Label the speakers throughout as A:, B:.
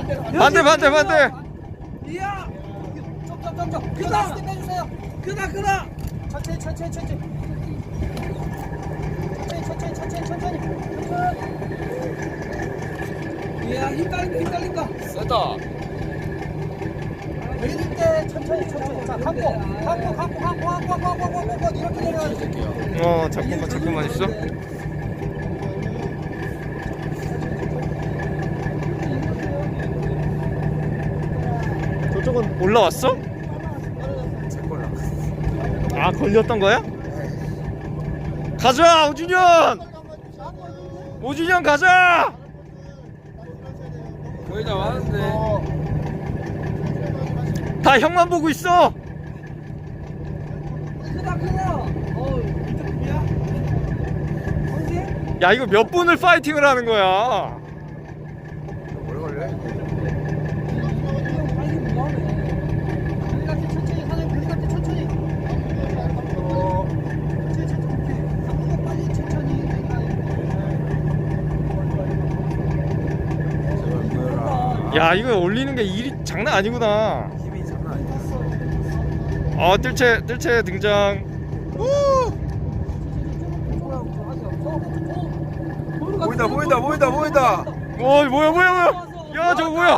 A: 반대 반대 반대.
B: 이야. 좀. 크다. 빼주세요. 크다. 천천히. 이야, 힘 딸린다.
A: 세다.
B: 내릴 때 천천히. 자, 감고 이렇게 내려가야지.
A: 잠깐만 있어. 저쪽은 올라왔어? 아, 걸렸던 거야? 가자, 오준현 가자.
C: 거의 다 왔는데.
A: 다 형만 보고 있어.
B: 크다. 이쪽 비야? 언제?
A: 야, 이거 몇 분을 파이팅을 하는 거야?
C: 오래 걸려?
B: 빨리 뭐하네. 우리한테 천천히 사장님, 우리한테 천천히. 오케이. 빨리 천천히.
C: 제발 보여라.
A: 야, 이거 올리는 게 일이 장난 아니구나.
C: 힘이 장난 아니야.
A: 뜰채 등장.
C: 보인다.
A: 뭐야? 야, 저거 뭐야?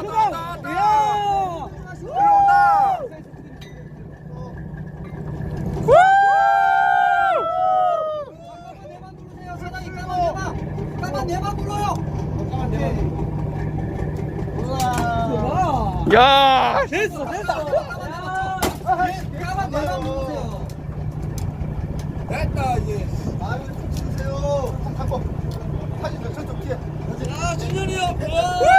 B: 내만 불러요.
A: 야,
B: 됐어. 까만 내만 부르세요.
C: 됐다 이제. 마음을 좀 치세요. 갖고 사진 저쪽 뒤에.
B: 준현이 형.